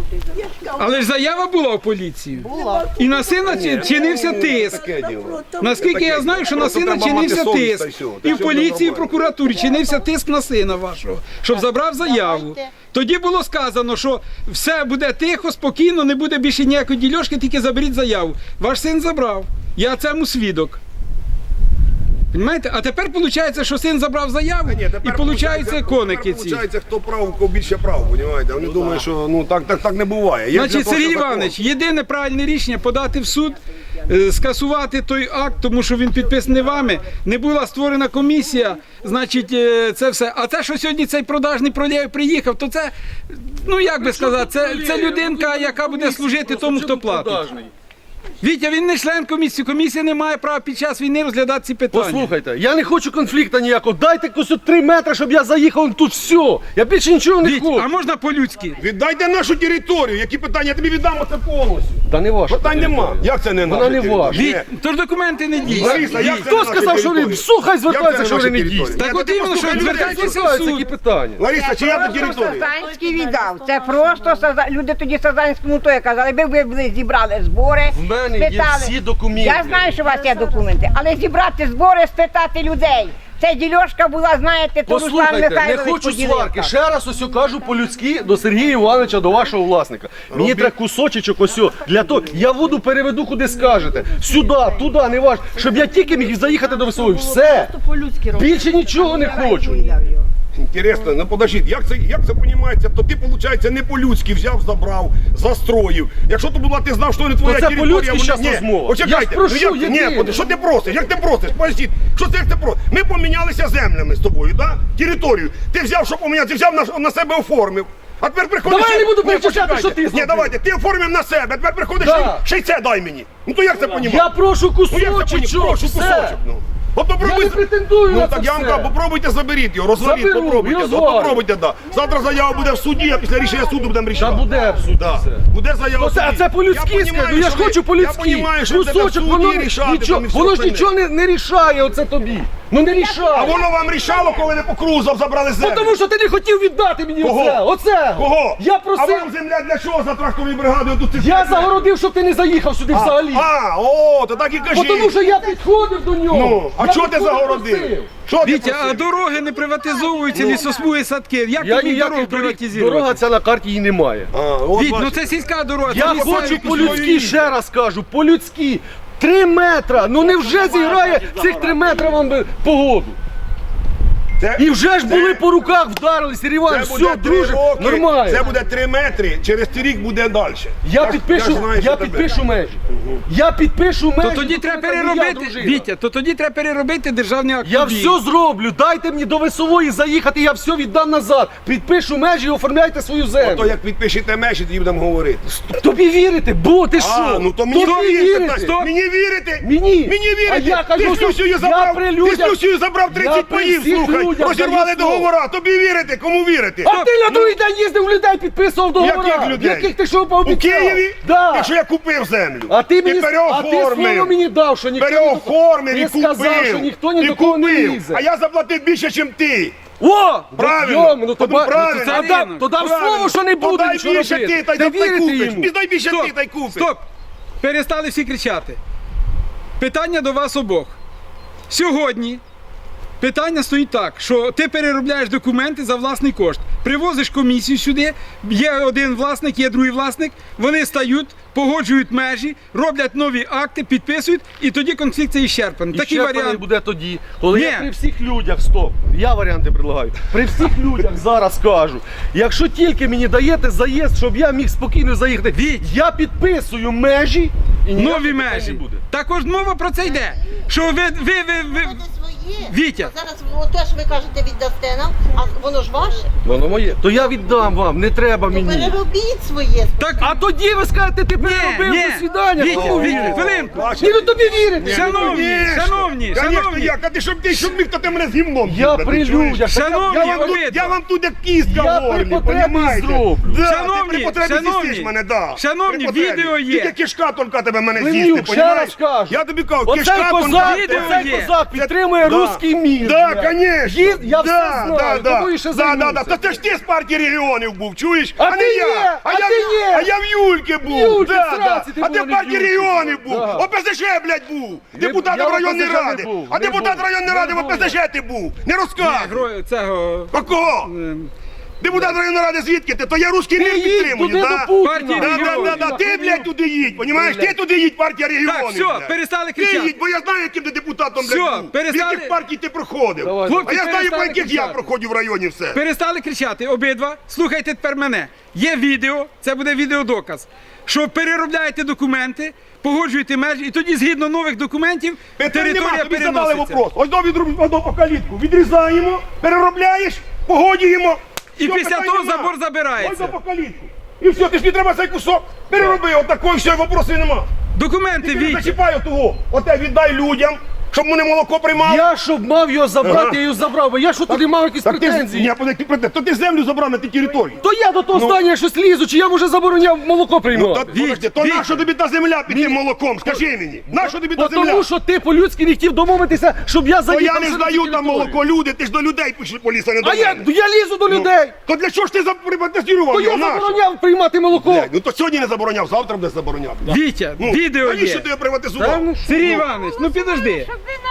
Speaker 6: Але ж заява була у поліції.
Speaker 8: Була.
Speaker 6: І на сина чи- чинився тиск. Наскільки я знаю, що на
Speaker 2: Просто
Speaker 6: сина
Speaker 2: треба
Speaker 6: чинився
Speaker 2: мати совість, та й
Speaker 6: тиск.
Speaker 2: всього. Та
Speaker 6: І в
Speaker 2: все
Speaker 6: поліції, і
Speaker 2: буде
Speaker 6: в прокуратурі чинився тиск на сина вашого, щоб забрав заяву.
Speaker 8: Давайте.
Speaker 6: Тоді було сказано, що все буде тихо, спокійно, не буде більше ніякої дільошки, тільки заберіть заяву. Ваш син забрав. Я цьому свідок. Понімаєте? А тепер виходить, що син забрав заяву,
Speaker 2: Ні, тепер
Speaker 6: і виходить коники ці.
Speaker 2: Виходить, хто прав, у кого більше прав, розумієте? Вони думають, що ну так, так, так не буває. Є для
Speaker 6: Значить,
Speaker 2: того,
Speaker 6: Сергій
Speaker 2: що закон.
Speaker 6: Іванович, єдине правильне рішення подати в суд е, скасувати той акт, тому що він підписаний вами. Не була створена комісія, значить, е, це все. А те, що сьогодні цей продажний пролєв приїхав, то це, ну як би сказати, це, це людинка, яка буде служити тому, хто платить. Вітя, він не член комісії. Комісія не має права під час війни розглядати ці питання.
Speaker 1: Послухайте, я не хочу конфлікту ніякого. Дайте якось от три метри, щоб я заїхав тут все. Я більше нічого не
Speaker 6: Віть,
Speaker 1: хочу.
Speaker 6: а можна по-людськи?
Speaker 2: Віддайте нашу територію. Які питання? Я тобі віддам оце повністю.
Speaker 1: Та не ваша.
Speaker 2: Питань нема. Як це не
Speaker 1: Вона
Speaker 2: наша
Speaker 1: не
Speaker 2: територія?
Speaker 1: ваша.
Speaker 2: Ні.
Speaker 6: Віть, тож документи не дійсні.
Speaker 2: Лариса, як це
Speaker 1: Хто
Speaker 2: не наша
Speaker 1: сказав, що
Speaker 2: територія?
Speaker 1: вони слухай, звертаються,
Speaker 2: Як це
Speaker 1: що
Speaker 2: наша
Speaker 1: вони не
Speaker 2: територія?
Speaker 1: дійсні?
Speaker 6: Так
Speaker 2: Я
Speaker 6: от
Speaker 2: тебе
Speaker 6: іменно, що
Speaker 2: послухаю,
Speaker 6: звертайтеся
Speaker 2: людей.
Speaker 6: в
Speaker 1: Звертаються
Speaker 6: суд.
Speaker 1: які питання.
Speaker 2: Лариса, чи я територія?
Speaker 5: Сазанський віддав. Це просто Саза- люди тоді Сазанському то казали, ви ви були, зібрали збори,
Speaker 1: В мене є
Speaker 5: спитали.
Speaker 1: всі документи.
Speaker 5: Я знаю, що у вас є документи, але зібрати збори, спитати людей. Це дільошка була, знаєте, то Руслан
Speaker 1: Послухайте, не
Speaker 5: Михайлович
Speaker 1: хочу
Speaker 5: поділився.
Speaker 1: сварки. Ще раз ось кажу по-людськи до Сергія Івановича, до вашого власника. Мені треба кусочечок ось о, для того. Я воду переведу куди скажете. Сюди, туди, не важливо. Щоб я тільки міг заїхати до Веселої. Все.
Speaker 3: По-людськи робити.
Speaker 1: Більше нічого не хочу.
Speaker 2: Інтересно, ну подождіть, як це, як це понімається? То ти, виходить, не по-людськи взяв, забрав, застроїв. Якщо то була, ти знав, що не твоя
Speaker 1: це
Speaker 2: територія.
Speaker 1: по-людськи
Speaker 2: вона-
Speaker 1: щас
Speaker 2: Ні,
Speaker 1: розмова.
Speaker 2: Почекайте,
Speaker 1: Я ж прошу,
Speaker 2: ну, як,
Speaker 1: єдине.
Speaker 2: ні, под- що ти просиш? Як ти просиш? Поясніть, що це як ти просиш? Ми помінялися землями з тобою, да? Територію. Ти взяв, що поміняти, ти взяв на, на себе оформив. А тепер приходиш...
Speaker 1: Давай я не буду
Speaker 2: Ні,
Speaker 1: перечисляти,
Speaker 2: почекайте.
Speaker 1: що ти
Speaker 2: Ні,
Speaker 1: зробив.
Speaker 2: давайте, ти оформив на себе, а тепер приходиш,
Speaker 1: Да.
Speaker 2: ще, й- ще й це дай мені. Ну то як це понімати?
Speaker 1: Я прошу
Speaker 2: Ну як це понімати?
Speaker 1: кусочечок.
Speaker 2: Прошу
Speaker 1: все.
Speaker 2: кусочок, ну. От попробуй...
Speaker 1: Я не претендую
Speaker 2: Ну
Speaker 1: на
Speaker 2: так
Speaker 1: це
Speaker 2: я вам
Speaker 1: все.
Speaker 2: кажу, попробуйте заберіть його, розваліть,
Speaker 1: Заберу,
Speaker 2: попробуйте.
Speaker 1: і
Speaker 2: От
Speaker 1: розвалю.
Speaker 2: попробуйте, да. Завтра заява буде в суді, а після рішення суду будемо
Speaker 1: Та
Speaker 2: рішати.
Speaker 1: буде в суді
Speaker 2: Да.
Speaker 1: все.
Speaker 2: Буде заява
Speaker 1: Ну,
Speaker 2: в
Speaker 1: це,
Speaker 2: суді.
Speaker 1: а це по-людськи
Speaker 2: Я
Speaker 1: скажу,
Speaker 2: понімаю,
Speaker 1: я ж
Speaker 2: що ви-
Speaker 1: хочу по-людськи.
Speaker 2: Я розумію, що це
Speaker 1: Кусочок,
Speaker 2: в
Speaker 1: воно,
Speaker 2: суді рішати,
Speaker 1: нічого,
Speaker 2: там і все
Speaker 1: воно ж
Speaker 2: остальне.
Speaker 1: нічого не, не рішає оце тобі. Ну не
Speaker 2: А
Speaker 1: рішає.
Speaker 2: воно вам рішало, коли ви по кругу забрали
Speaker 1: Ну,
Speaker 2: землю?
Speaker 1: тому що ти не хотів віддати мені
Speaker 2: Кого?
Speaker 1: оце. Оце.
Speaker 2: Кого?
Speaker 1: Я
Speaker 2: А
Speaker 1: просив.
Speaker 2: вам земля для чого за тракторною бригадою тут?
Speaker 1: Я загородив, щоб ти не заїхав сюди
Speaker 2: а,
Speaker 1: взагалі.
Speaker 2: а, о, то так і
Speaker 1: Бо
Speaker 2: кажіть.
Speaker 1: тому що я підходив до нього.
Speaker 2: Ну, а
Speaker 1: Я
Speaker 2: чого ти
Speaker 1: підходив,
Speaker 2: загородив?
Speaker 1: просив.
Speaker 2: Що ти
Speaker 6: Вітя, а
Speaker 2: просив?
Speaker 6: дороги не приватизовуються, лісосмуги, садки. Як
Speaker 1: Я
Speaker 6: ти міг
Speaker 1: ніяких
Speaker 6: дорогу
Speaker 1: доріг.
Speaker 6: приватизувати?
Speaker 1: Дорога ця на карті її немає.
Speaker 2: А, от
Speaker 6: Віть, ну
Speaker 2: бачите.
Speaker 6: це сільська дорога.
Speaker 1: Я
Speaker 6: це місцеві
Speaker 1: хочу
Speaker 6: якісь
Speaker 1: по-людськи,
Speaker 6: свої.
Speaker 1: ще раз кажу, по-людськи. Три метра. Ну невже зіграє цих три метри вам би погоду?
Speaker 2: Це-
Speaker 1: І вже ж
Speaker 2: це-
Speaker 1: були по руках, вдарились, Сергій Іванович,
Speaker 2: Це буде
Speaker 1: все,
Speaker 2: три
Speaker 1: друже,
Speaker 2: роки,
Speaker 1: нормально.
Speaker 2: Це буде три метри, через цей рік буде далі.
Speaker 1: Я
Speaker 2: ж-
Speaker 1: підпишу,
Speaker 2: ж знаю,
Speaker 1: я
Speaker 2: що тебе.
Speaker 1: підпишу межі. Я підпишу межі.
Speaker 6: То тоді
Speaker 1: бо
Speaker 6: треба
Speaker 1: це не я,
Speaker 6: переробити,
Speaker 1: дружина.
Speaker 6: Вітя, то тоді треба переробити державний акт.
Speaker 1: Я
Speaker 6: тобі.
Speaker 1: все зроблю, дайте мені до Весової заїхати, я все віддам назад. Підпишу межі і оформляйте свою
Speaker 2: То
Speaker 1: землю.
Speaker 2: як підпишете межі, тоді будемо говорити.
Speaker 1: Тобі вірите, бо ти що?
Speaker 2: А, ну то мені
Speaker 1: Тобі
Speaker 2: вірите.
Speaker 1: вірите.
Speaker 2: Стоп. Мені вірите?
Speaker 1: Мені?
Speaker 2: Мені вірите?
Speaker 1: А я кажу,
Speaker 2: ти з
Speaker 1: що
Speaker 2: Люсею
Speaker 1: я
Speaker 2: забрав,
Speaker 1: при
Speaker 2: ти з
Speaker 1: людях-
Speaker 2: Люсею забрав
Speaker 1: Я
Speaker 2: тридцять
Speaker 1: при
Speaker 2: паїв,
Speaker 1: всіх
Speaker 2: слухай.
Speaker 1: людях
Speaker 2: Розірвали
Speaker 1: даю слово.
Speaker 2: договора. Тобі вірите? Кому вірите?
Speaker 1: А ти на другий день їздив у людей, підписував договори.
Speaker 2: Яких людей?
Speaker 1: Яких ти що
Speaker 2: У
Speaker 1: пообіцяв?
Speaker 2: Києві?
Speaker 1: Да.
Speaker 2: Якщо я купив землю.
Speaker 1: А ти мені,
Speaker 2: і
Speaker 1: а ти слово
Speaker 2: переоформив.
Speaker 1: мені дав, що ніхто ні до кого-
Speaker 2: Переоформив і
Speaker 1: Ти
Speaker 2: купив.
Speaker 1: сказав, що ніхто ні
Speaker 2: І
Speaker 1: до кого не
Speaker 2: купив.
Speaker 1: лізе.
Speaker 2: А я заплатив більше, ніж ти.
Speaker 1: О!
Speaker 2: Правильно.
Speaker 1: Йому, ну, то,
Speaker 2: Ну,
Speaker 1: ба-
Speaker 2: правильно.
Speaker 1: ну, то, то, дав- то дав
Speaker 2: Правильно.
Speaker 1: слово, що не
Speaker 2: То
Speaker 1: буде
Speaker 2: дай
Speaker 1: нічого
Speaker 2: більше
Speaker 1: робити.
Speaker 2: ти, та й
Speaker 1: Не
Speaker 2: та й
Speaker 1: вірите
Speaker 2: купиш.
Speaker 1: йому.
Speaker 2: Ти дай більше
Speaker 6: Стоп,
Speaker 2: ти, та й купиш.
Speaker 6: стоп. Перестали всі кричати. Питання до вас обох. Сьогодні питання стоїть так, що ти переробляєш документи за власний кошт. Привозиш комісію сюди, є один власник, є другий власник, вони стають, погоджують межі, роблять нові акти, підписують, і тоді конфлікт це іщерпаний.
Speaker 1: І
Speaker 6: Такий
Speaker 1: ще коли
Speaker 6: варіант.
Speaker 1: буде тоді, коли я
Speaker 6: Ні.
Speaker 1: при всіх людях, стоп, я варіанти предлагаю, при всіх людях зараз кажу, якщо тільки мені даєте заїзд, щоб я міг спокійно заїхати,
Speaker 6: Віть.
Speaker 1: я підписую межі і ніяких
Speaker 6: Нові
Speaker 1: питань
Speaker 6: межі.
Speaker 1: не буде.
Speaker 6: Також мова про це йде. Що ви, ви, ви, ви...
Speaker 8: Буде своє.
Speaker 6: Вітя.
Speaker 8: А зараз те, що ви кажете, віддасте нам, а воно ж ваше.
Speaker 1: Воно моє. То я віддам вам, не треба
Speaker 8: То
Speaker 1: мені.
Speaker 8: переробіть своє.
Speaker 6: Так,
Speaker 1: А тоді ви скажете, ти переробив,
Speaker 6: ні.
Speaker 1: до свідання.
Speaker 6: Вітя,
Speaker 1: Кому
Speaker 6: Вітя,
Speaker 1: вірите?
Speaker 6: хвилинку.
Speaker 1: Ні, ну тобі вірите.
Speaker 6: Шановні,
Speaker 2: Конечно,
Speaker 6: шановні,
Speaker 2: конечно,
Speaker 6: шановні.
Speaker 2: як? А ти щоб ти щоб міг, то ти мене з гімном.
Speaker 1: Я
Speaker 2: їбати,
Speaker 1: при
Speaker 2: чуєш?
Speaker 1: людях. так я-
Speaker 6: Шановні,
Speaker 2: Я вам, тут,
Speaker 6: обидва.
Speaker 2: я вам тут як кістка
Speaker 1: Я
Speaker 2: в горлі,
Speaker 1: при потребі
Speaker 2: понімаєте?
Speaker 1: зроблю.
Speaker 2: Да,
Speaker 6: Шановні,
Speaker 2: ти при потребі
Speaker 6: шановні,
Speaker 2: з'їстиш мене, да.
Speaker 6: шановні,
Speaker 2: При потребі.
Speaker 6: відео є.
Speaker 2: Тільки кишка тільки тебе мене
Speaker 1: Клинюк,
Speaker 2: з'їсти,
Speaker 1: ще
Speaker 2: понімаєш?
Speaker 1: раз кажу.
Speaker 2: Я тобі кажу,
Speaker 1: Оцей
Speaker 2: кишка
Speaker 1: козак,
Speaker 6: відео
Speaker 1: оцей
Speaker 6: є.
Speaker 1: козак підтримує
Speaker 2: Да.
Speaker 1: русський мір.
Speaker 2: Да,
Speaker 1: блядь.
Speaker 2: конечно.
Speaker 1: Їд- Я все
Speaker 2: да,
Speaker 1: знаю,
Speaker 2: да,
Speaker 1: тобою ще
Speaker 2: да, да, да.
Speaker 1: займуся.
Speaker 2: Та це ж ти з партії регіонів був, чуєш?
Speaker 1: А
Speaker 2: не
Speaker 1: ти
Speaker 2: я.
Speaker 1: ні, а
Speaker 2: я,
Speaker 1: ти ні.
Speaker 2: А я в Юльки був.
Speaker 1: Юльки,
Speaker 2: да,
Speaker 1: сраці,
Speaker 2: да.
Speaker 1: ти
Speaker 2: А
Speaker 1: був,
Speaker 2: ти в
Speaker 1: не
Speaker 2: партії
Speaker 1: в Юльки.
Speaker 2: регіонів був.
Speaker 1: Да.
Speaker 2: ОПЗЖ, блядь, був.
Speaker 1: Не-
Speaker 2: Депутатом
Speaker 1: я в
Speaker 2: районної
Speaker 1: ОПЗЖ не
Speaker 2: ради.
Speaker 1: був,
Speaker 2: А
Speaker 1: не
Speaker 2: депутат
Speaker 1: був.
Speaker 2: районної ради в
Speaker 1: Не був.
Speaker 2: ОПЗЖ ти був. Не розказуй.
Speaker 6: Гро- Цього...
Speaker 2: А кого?
Speaker 6: ем,
Speaker 2: Депутат районної ради звідки ти? То я русський мір
Speaker 1: Ти їдь
Speaker 2: підтримую,
Speaker 1: туди
Speaker 2: да?
Speaker 1: до Путіна.
Speaker 6: Партії
Speaker 2: Да, да,
Speaker 6: регіонів.
Speaker 2: да, да. Ти, блядь, туди їдь, понімаєш? Ти туди їдь, партія регіонів.
Speaker 6: Так, все,
Speaker 2: блядь.
Speaker 6: перестали
Speaker 2: Ти
Speaker 6: кричати.
Speaker 2: їдь, бо я знаю, яким ти депутатом,
Speaker 6: Все,
Speaker 2: блядь, був. В
Speaker 6: перестали-
Speaker 2: яких партій ти проходив.
Speaker 1: Давай.
Speaker 2: А
Speaker 6: Хлопці,
Speaker 2: я знаю, по
Speaker 6: перестали
Speaker 2: яких я
Speaker 6: кричати.
Speaker 2: проходив в районі все.
Speaker 6: Перестали кричати обидва. Слухайте тепер мене. Є відео, це буде відеодоказ. що переробляєте документи, погоджуєте межі, і тоді згідно нових документів
Speaker 2: Питань нема,
Speaker 6: територія
Speaker 2: тобі задали
Speaker 6: переноситься.
Speaker 2: вопрос. Ось до відруб по калітку. Відрізаємо, переробляєш, погодюємо.
Speaker 6: І
Speaker 2: Все,
Speaker 6: після
Speaker 2: питань
Speaker 6: того
Speaker 2: нема.
Speaker 6: забор забирається.
Speaker 2: Ось до по калітку. І все, ти ж не треба цей кусок. Перероби, отакої, все, вопросів нема.
Speaker 6: Документи
Speaker 2: Ти не
Speaker 6: Вітя.
Speaker 2: зачіпай того. Оте віддай людям, щоб вони молоко приймали.
Speaker 1: Я щоб мав його забрати,
Speaker 2: Ага.
Speaker 1: я його забрав, бо я що туди мав якісь
Speaker 2: Так ти ж,
Speaker 1: претензії.
Speaker 2: ні, подожди, претензії. То ти землю забрав на тій території.
Speaker 1: То я до того
Speaker 2: Ну.
Speaker 1: здання щось лізу, чи я вже забороняв молоко
Speaker 2: Ну,
Speaker 1: приймати?
Speaker 2: то, подожди, то
Speaker 6: Вітя.
Speaker 2: нащо тобі та земля під тим молоком? Скажи мені. Нащо тобі та
Speaker 1: Бо
Speaker 2: земля?
Speaker 1: тому що ти по-людськи не хотів домовитися, щоб я
Speaker 2: То
Speaker 1: заїхав.
Speaker 2: я не
Speaker 1: вже на цю
Speaker 2: здаю там
Speaker 1: територію.
Speaker 2: молоко, люди, ти ж до людей пішли поліса, не до
Speaker 1: А я,
Speaker 2: мене.
Speaker 1: я лізу до людей.
Speaker 2: То для чого ж ти заприватизував
Speaker 1: То
Speaker 2: його?
Speaker 1: я
Speaker 2: Нащо?
Speaker 1: забороняв приймати молоко.
Speaker 2: Блядь, ну то сьогодні не забороняв, завтра буде забороняв.
Speaker 6: Вітя,
Speaker 2: Ну,
Speaker 6: відео
Speaker 2: навіщо
Speaker 6: є.
Speaker 2: ти його приватизував?
Speaker 6: Сергій Іванович, ну підожди.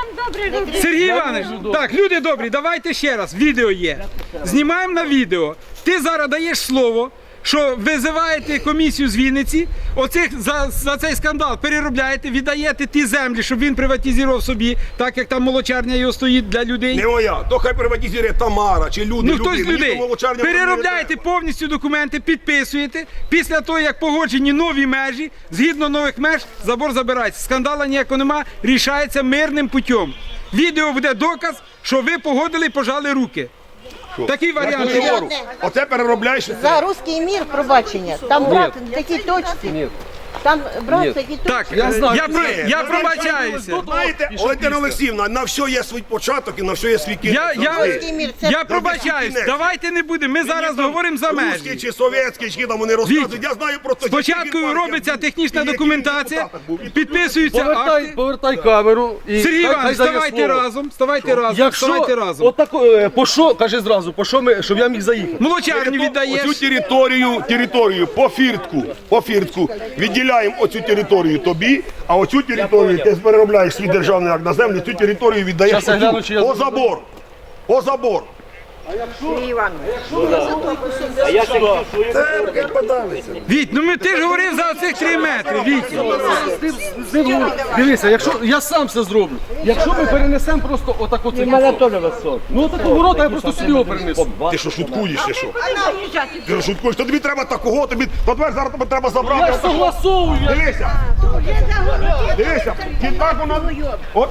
Speaker 6: Сергій Іванович, так, люди добрі, давайте ще раз, відео є. Знімаємо на відео. Ти зараз даєш слово, що визиваєте комісію з Вінниці, оцих за, за цей скандал переробляєте, віддаєте ті землі, щоб він приватизував собі, так як там молочарня його стоїть для людей.
Speaker 2: Не моя, то хай приватизує Тамара чи люди,
Speaker 6: Ну
Speaker 2: люди.
Speaker 6: хтось з
Speaker 2: Мені
Speaker 6: людей.
Speaker 2: то молочарня
Speaker 6: Переробляєте
Speaker 2: не треба.
Speaker 6: повністю документи, підписуєте. Після того, як погоджені нові межі, згідно нових меж, забор забирається. Скандала ніякого нема, рішається мирним путем. Відео буде доказ, що ви погодили і пожали руки. Такий
Speaker 2: Я
Speaker 6: варіант.
Speaker 2: тобі говорю, оце переробляєш.
Speaker 8: За русський мір, пробачення, там брат в такій точці, там брат в такій точці.
Speaker 6: Так,
Speaker 1: Я знаю,
Speaker 6: я, про,
Speaker 2: Ні,
Speaker 6: я
Speaker 2: ну,
Speaker 6: пробачаюся.
Speaker 2: Знаєте, Валентина Олексіївна, на все є свій початок і на все є свій кінець.
Speaker 6: Я, я,
Speaker 8: Русський мір, це
Speaker 6: я пробачаюсь.
Speaker 2: кінець.
Speaker 6: Давайте не будемо. Ми зараз говоримо за
Speaker 2: Русський
Speaker 6: межі.
Speaker 2: чи совєтський, чи там вони розказують. Я знаю просто...
Speaker 6: Спочатку
Speaker 2: який
Speaker 6: робиться
Speaker 2: партія
Speaker 6: технічна
Speaker 2: був, і
Speaker 6: документація,
Speaker 2: який депутат був. І
Speaker 6: підписуються
Speaker 1: Повертай,
Speaker 6: акти.
Speaker 1: повертай камеру. І
Speaker 6: Сергій
Speaker 1: хай- хай
Speaker 6: Іванович,
Speaker 1: дає
Speaker 6: ставайте
Speaker 1: слово.
Speaker 6: разом, ставайте разом,
Speaker 1: Якщо,
Speaker 6: ставайте разом.
Speaker 1: отако, е, по що, каже зразу, по що ми, щоб я міг заїхати.
Speaker 6: Молочарню
Speaker 2: Оцю
Speaker 6: віддаєш.
Speaker 2: територію, територію по фіртку, по фіртку відділяємо оцю територію тобі, а оцю територію ти переробляєш свій державний акт на землю, цю територію віддаєш
Speaker 1: Щас я
Speaker 2: оцю,
Speaker 1: гляну, чи я
Speaker 2: по
Speaker 1: зроблю.
Speaker 2: забор. По забор. Це, блядь, подалися.
Speaker 6: Віть, ну ми ти ж говорив за оцих три метри, Віть.
Speaker 1: З ним говорю. Дивися, якщо я сам все зроблю. Якщо ми перенесемо просто отак оце. І мене теж висок. Ну отаку ворота я просто сюди його перенесу.
Speaker 2: Ти що, шуткуєш, ти що? Ти що шуткуєш? То тобі треба такого, тобі, то тепер зараз тобі треба
Speaker 1: Я
Speaker 2: забрати.
Speaker 1: ж согласовую. я-
Speaker 2: Дивися, дивися, і так воно, от,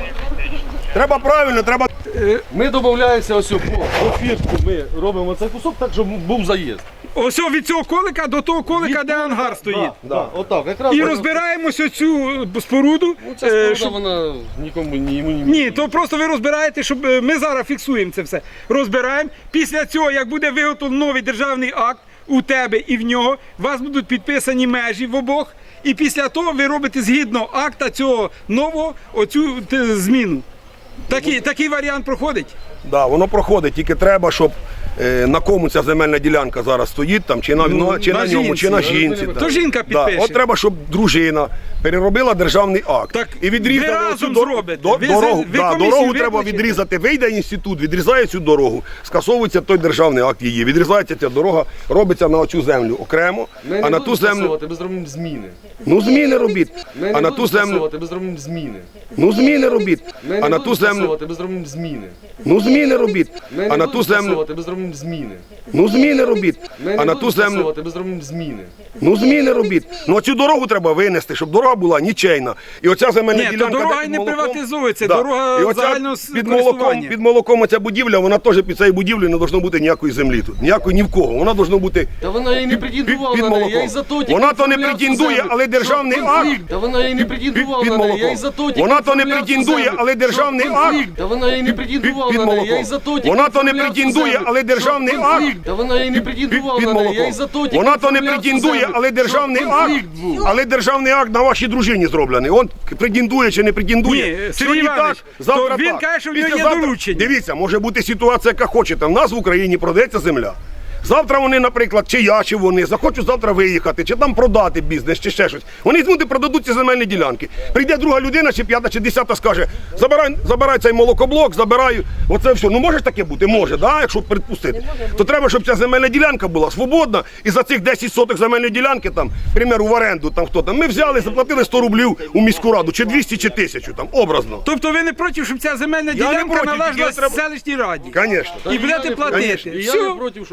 Speaker 2: треба правильно, треба...
Speaker 1: Ми домовляємося ось по, по фіртку, ми робимо цей кусок так, щоб був заїзд.
Speaker 6: Ось від цього колика до того колика, де ангар стоїть.
Speaker 1: Да, отак, якраз.
Speaker 6: І розбираємось оцю споруду.
Speaker 1: Ця
Speaker 6: е,
Speaker 1: споруда,
Speaker 6: щоб-
Speaker 1: вона нікому ні йому ні.
Speaker 6: Ні, то просто ви розбираєте, щоб е, ми зараз фіксуємо це все. Розбираємо. Після цього, як буде виготовлений новий державний акт у тебе і в нього, у вас будуть підписані межі в обох. І після того ви робите згідно акта цього нового оцю те, зміну. Такий, такий варіант проходить.
Speaker 2: Да, воно проходить, тільки треба, щоб е, на кому ця земельна ділянка зараз стоїть, там, чи на,
Speaker 6: Ну,
Speaker 2: чи
Speaker 6: на
Speaker 2: на, ньому,
Speaker 6: жінці.
Speaker 2: чи на жінці.
Speaker 6: То жінка підпише.
Speaker 2: Да. От треба, щоб дружина переробила державний акт.
Speaker 6: Так
Speaker 2: і відрізала
Speaker 6: ви
Speaker 2: оцю
Speaker 6: разом
Speaker 2: дор-
Speaker 6: зробите.
Speaker 2: до-
Speaker 6: Ви
Speaker 2: дорогу.
Speaker 6: за- ви
Speaker 2: да,
Speaker 6: комісію
Speaker 2: дорогу треба
Speaker 6: виключите.
Speaker 2: відрізати. Вийде інститут, відрізає цю дорогу, скасовується той державний акт її. Відрізається ця дорога, робиться на оцю землю окремо,
Speaker 1: Ми
Speaker 2: а
Speaker 1: не
Speaker 2: на
Speaker 1: будемо
Speaker 2: ту землю.
Speaker 1: скасовувати, ми зробимо зміни.
Speaker 2: Ну зміни робіть.
Speaker 1: Ми
Speaker 2: А
Speaker 1: не
Speaker 2: на
Speaker 1: будемо
Speaker 2: ту землю.
Speaker 1: скасовувати, ми зробимо зміни.
Speaker 2: Ну зміни робіть.
Speaker 1: Ми
Speaker 2: А
Speaker 1: не
Speaker 2: на
Speaker 1: будемо
Speaker 2: ту землю.
Speaker 1: скасовувати, ми зробимо зміни.
Speaker 2: Ну зміни робіть.
Speaker 1: Ми
Speaker 2: А
Speaker 1: не
Speaker 2: на
Speaker 1: будемо
Speaker 2: ту землю.
Speaker 1: скасовувати, ми зробимо зміни.
Speaker 2: Ну зміни робіть.
Speaker 1: Ми
Speaker 2: А
Speaker 1: не
Speaker 2: на
Speaker 1: будемо
Speaker 2: ту землю.
Speaker 1: скасовувати, ми зробимо зміни.
Speaker 2: Ну зміни робіть. Ну цю дорогу треба винести, щоб дорога була нічейна. І оця земельна
Speaker 6: Ні, то
Speaker 2: ділянка.
Speaker 6: дорога
Speaker 2: де
Speaker 6: й
Speaker 2: під
Speaker 6: не
Speaker 2: молоком-
Speaker 6: приватизується, дорога
Speaker 2: І оця
Speaker 6: загального с-
Speaker 2: під молоком,
Speaker 6: користування.
Speaker 2: під молоком оця будівля, вона теж під цією будівлею не должно бути ніякої землі тут. Ніякої ні в кого. Вона должно бути
Speaker 1: Та вона і не
Speaker 2: під,
Speaker 1: претендувала
Speaker 2: під
Speaker 1: на неї, я
Speaker 2: молоком.
Speaker 1: і за то тільки
Speaker 2: Вона то не
Speaker 1: оформляв цю
Speaker 2: претендує,
Speaker 1: землю.
Speaker 2: але державний
Speaker 1: Щоб
Speaker 2: акт.
Speaker 1: конфлікт. Та вона і не
Speaker 2: Під,
Speaker 1: претендувала
Speaker 2: під
Speaker 1: на неї, я
Speaker 2: молоком.
Speaker 1: і за то тільки
Speaker 2: Вона то не
Speaker 1: оформляв цю
Speaker 2: претендує,
Speaker 1: землю.
Speaker 2: але
Speaker 1: Щоб
Speaker 2: державний акт.
Speaker 1: конфлікт. Та вона і не претендувала
Speaker 2: під
Speaker 1: на неї, я
Speaker 2: молоком.
Speaker 1: і за то тільки
Speaker 2: Вона то не
Speaker 1: оформляв цю
Speaker 2: претендує,
Speaker 1: землю.
Speaker 2: але
Speaker 1: Щоб
Speaker 2: державний
Speaker 1: конфлікт.
Speaker 2: акт.
Speaker 1: Та вона і не
Speaker 2: Під,
Speaker 1: претендувала
Speaker 2: під
Speaker 1: на неї, я
Speaker 2: молоком.
Speaker 1: і за то тільки
Speaker 2: Вона то не
Speaker 1: оформляв цю
Speaker 2: претендує,
Speaker 1: землю.
Speaker 2: але
Speaker 1: Щоб
Speaker 2: державний акт,
Speaker 1: конфлікт був.
Speaker 2: але державний акт на вашій дружині зроблений. Он претендує чи не претендує.
Speaker 6: Ні, Сергій
Speaker 2: Сьогодні
Speaker 6: Іванович,
Speaker 2: так, завтра
Speaker 6: то він
Speaker 2: так.
Speaker 6: каже, що в нього є
Speaker 2: Післязавтра-
Speaker 6: доручення.
Speaker 2: Дивіться, може бути ситуація, яка хочете. В нас в Україні продається земля. Завтра вони, наприклад, чи я, чи вони захочуть завтра виїхати, чи там продати бізнес, чи ще щось. Вони візьмуть і продадуть ці земельні ділянки. Прийде друга людина, чи п'ята, чи десята, скаже, забирай, забирай цей молокоблок, забираю. Оце все. Ну може ж таке бути? Може, да? Якщо припустити. То треба, щоб ця земельна ділянка була свободна. І за цих десять соток земельної ділянки, там, примеру, в оренду, там хто там, ми взяли, заплатили сто рублів у міську раду, чи двісті, чи тисячу, там, образно.
Speaker 6: Тобто ви не проти, щоб ця земельна
Speaker 2: не
Speaker 6: ділянка
Speaker 2: проти,
Speaker 6: належала
Speaker 2: тільки треба-
Speaker 6: селищній раді?
Speaker 2: Конечно.
Speaker 6: І будете платити.
Speaker 1: І я
Speaker 6: Все.
Speaker 1: не проти, щоб
Speaker 2: Конечно.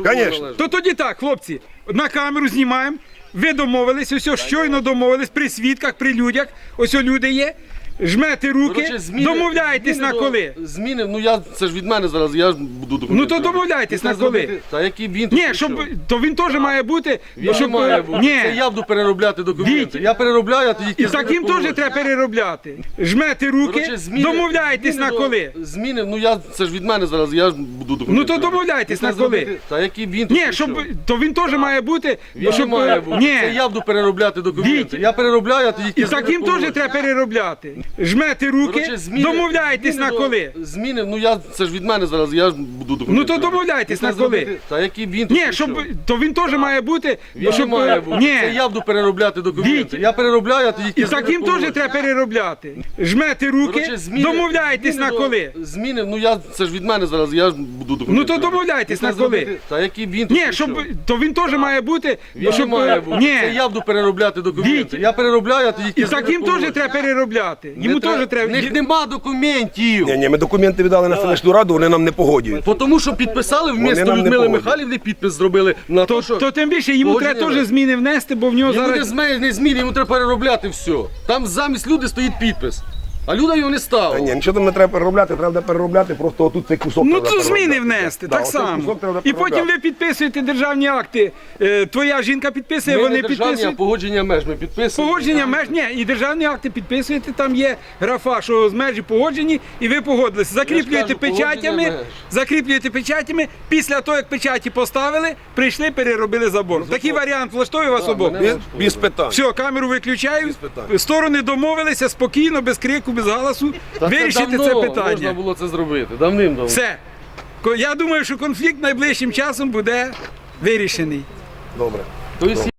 Speaker 1: належить.
Speaker 6: То тоді так, хлопці, на камеру знімаємо. Ви домовились, ось щойно домовились при свідках, при людях. Ось люди є. Жмете руки,
Speaker 1: Коротше, зміни-
Speaker 6: домовляєтесь
Speaker 1: зміни
Speaker 6: на
Speaker 1: до-
Speaker 6: коли.
Speaker 1: Зміни, ну я це ж від мене зараз, я ж буду документи.
Speaker 6: Ну, то
Speaker 1: робити.
Speaker 6: домовляйтесь
Speaker 1: Ну,
Speaker 6: на
Speaker 1: це
Speaker 6: коли.
Speaker 1: зробити- Та який він тут
Speaker 6: Ні,
Speaker 1: прийшов?
Speaker 6: щоб то він теж має бути.
Speaker 1: Він
Speaker 6: щоб,
Speaker 1: не має бути.
Speaker 6: Ні.
Speaker 1: Це я буду переробляти документи.
Speaker 6: Віть.
Speaker 1: Я переробляю, а тоді
Speaker 6: І
Speaker 1: кидаю
Speaker 6: таким
Speaker 1: по
Speaker 6: теж
Speaker 1: вулиці.
Speaker 6: треба переробляти. Жмете руки,
Speaker 1: Коротше, зміни-
Speaker 6: домовляйтесь
Speaker 1: зміни
Speaker 6: на
Speaker 1: до-
Speaker 6: коли.
Speaker 1: Зміни, ну я це ж від мене зараз, я ж буду документи.
Speaker 6: Ну, то
Speaker 1: робити.
Speaker 6: домовляйтесь
Speaker 1: Це
Speaker 6: на коли.
Speaker 1: зробити- Та який він тут
Speaker 6: Ні,
Speaker 1: прийшов?
Speaker 6: щоб то він теж має бути.
Speaker 1: Він
Speaker 6: щоб,
Speaker 1: не має бути.
Speaker 6: Ні.
Speaker 1: Це я буду переробляти документи.
Speaker 6: Віть.
Speaker 1: Я переробляю, а тоді
Speaker 6: І
Speaker 1: кидаю
Speaker 6: таким
Speaker 1: по
Speaker 6: теж
Speaker 1: вулиці.
Speaker 6: треба переробляти. Жмете руки,
Speaker 1: Коротше, зміни-
Speaker 6: домовляйтесь
Speaker 1: зміни
Speaker 6: на
Speaker 1: до-
Speaker 6: коли.
Speaker 1: Зміни, ну я це ж від мене зараз, я ж буду документи.
Speaker 6: Ну, то
Speaker 1: робити.
Speaker 6: домовляйтесь
Speaker 1: Це
Speaker 6: на коли.
Speaker 1: зробити- Та який він тут
Speaker 6: Ні,
Speaker 1: прийшов?
Speaker 6: щоб то він теж має бути.
Speaker 1: Він
Speaker 6: щоб,
Speaker 1: не має бути.
Speaker 6: Ні.
Speaker 1: Це я буду переробляти документи.
Speaker 6: Віть.
Speaker 1: Я переробляю, а тоді
Speaker 6: І
Speaker 1: кидаю
Speaker 6: таким
Speaker 1: по
Speaker 6: теж
Speaker 1: вулиці.
Speaker 6: треба переробляти. Жмете руки,
Speaker 1: Коротше, зміни-
Speaker 6: домовляйтесь
Speaker 1: зміни
Speaker 6: на
Speaker 1: до-
Speaker 6: коли.
Speaker 1: Зміни, ну я це ж від мене зараз, я ж буду документи.
Speaker 6: Ну, то
Speaker 1: робити.
Speaker 6: домовляйтесь
Speaker 1: Це
Speaker 6: на коли.
Speaker 1: зробити- Та який він тут
Speaker 6: Ні,
Speaker 1: прийшов?
Speaker 6: щоб то він теж має бути.
Speaker 1: Він
Speaker 6: щоб,
Speaker 1: не має бути.
Speaker 6: Ні.
Speaker 1: Це я буду переробляти документи.
Speaker 6: Віть.
Speaker 1: Я переробляю, а тоді
Speaker 6: І
Speaker 1: кидаю
Speaker 6: таким
Speaker 1: по
Speaker 6: теж
Speaker 1: вулиці.
Speaker 6: треба переробляти.
Speaker 1: Не
Speaker 6: Йому
Speaker 1: треба-
Speaker 6: теж
Speaker 1: В
Speaker 6: треба.
Speaker 1: них нема документів.
Speaker 2: Ні, ні, ми документи віддали на селищну раду, вони нам не погодюють.
Speaker 1: Бо Тому що підписали вмісто
Speaker 2: нам не
Speaker 1: Людмили
Speaker 2: погодять.
Speaker 1: Михайлівни, підпис зробили на
Speaker 6: То,
Speaker 1: те, що
Speaker 6: то тим більше йому
Speaker 1: Погодження
Speaker 6: треба
Speaker 1: ви.
Speaker 6: теж зміни внести, бо в нього
Speaker 1: йому не
Speaker 6: зараз.
Speaker 1: зміни, не зміни, йому треба переробляти все. Там замість люди стоїть підпис. А люди його не
Speaker 2: Та
Speaker 1: ставили.
Speaker 2: ні, нічого там не треба переробляти, треба переробляти, просто отут цей кусок.
Speaker 6: Ну
Speaker 2: треба
Speaker 6: то зміни
Speaker 2: переробляти.
Speaker 6: внести,
Speaker 2: Да,
Speaker 6: так
Speaker 2: оцей
Speaker 6: само.
Speaker 2: кусок треба
Speaker 6: І потім
Speaker 2: переробляти.
Speaker 6: ви підписуєте державні акти. Е, Твоя жінка підписує,
Speaker 1: Ми
Speaker 6: вони
Speaker 1: не державні, а
Speaker 6: підписують.
Speaker 1: погодження меж ми підписуємо.
Speaker 6: Погодження меж, ні, і державні акти підписуєте, там є графа, що з межі погоджені, і ви погодилися. Закріплюєте
Speaker 1: кажу, погодження
Speaker 6: печатями,
Speaker 1: меж.
Speaker 6: закріплюєте печатями, після того, як печаті поставили, прийшли, переробили забор. Такий варіант влаштовує вас обох?
Speaker 1: мене-
Speaker 2: Без, без питань.
Speaker 6: Все, камеру виключаю.
Speaker 2: питань.
Speaker 6: Сторони домовилися спокійно, без крику, без галасу.
Speaker 1: Та
Speaker 6: Вирішити це
Speaker 1: давно
Speaker 6: питання.
Speaker 1: можна було це зробити, давним-давно.
Speaker 6: Все. Ко- Я думаю, що конфлікт найближчим часом буде вирішений.
Speaker 2: Добре.
Speaker 1: Тобто